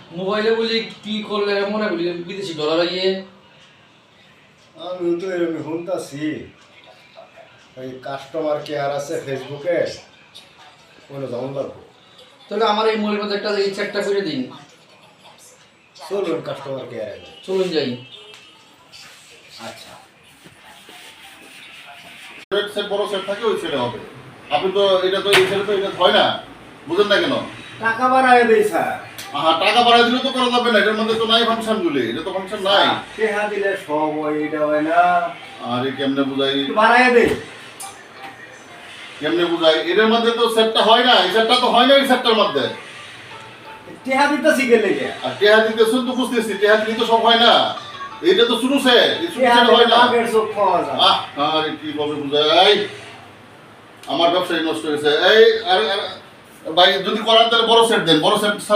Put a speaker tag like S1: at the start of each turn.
S1: মোবাইলে বলি কি করলে মনে বলি বিদেশি ডলার আইয়ে
S2: আমি তো এরকম শুনতাছি ওই কাস্টমার কেয়ার আছে ফেসবুকে ওগুলো ডাউন লাগবো।
S1: তাহলে আমার এই মোবাইলের মধ্যে একটা এই চ্যাটটা করে দিন।
S2: চলুন কাস্টমার কেয়ারে।
S1: চলুন যাই।
S2: আচ্ছা
S3: সেট বড় সেট থাকে ওই সেটে হবে। আপনি তো এটা তো এই সেটে তো এটা হয় না, বুঝেন না কেন?
S2: টাকা বাড়ায় দেই স্যার।
S3: টাকা বাড়াই দিলে তো করা যাবে না, এটার মধ্যে তো নাই ফাংশন গুলি, এটা তো ফাংশন নাই।
S2: টেহা দিলে সব ওইটা হয় না।
S3: আরে কেমনে বুঝাই,
S2: বাড়ায় দেই
S3: কেমনে বুঝাই, এটার মধ্যে তো সেটটা হয় না, এই সেটটা তো হয় না এই সেটটার মধ্যে।
S2: টেহা দিতেছি গেলে গে
S3: আর টেহা দিতে শুন তো বুঝতেছি, টেহা দিলে তো সব হয় না, এইটা তো শুরু সেট, এই শুরু
S2: টেহা
S3: সেট হয় না।
S2: আগের চোখ পাওয়া যায়।
S3: আরে কি বলবে বুঝাই, আমার ব্যবসায় নষ্ট হয়েছে। এই ভাই যদি করান তাহলে বড় সেট দেন, বড় সেট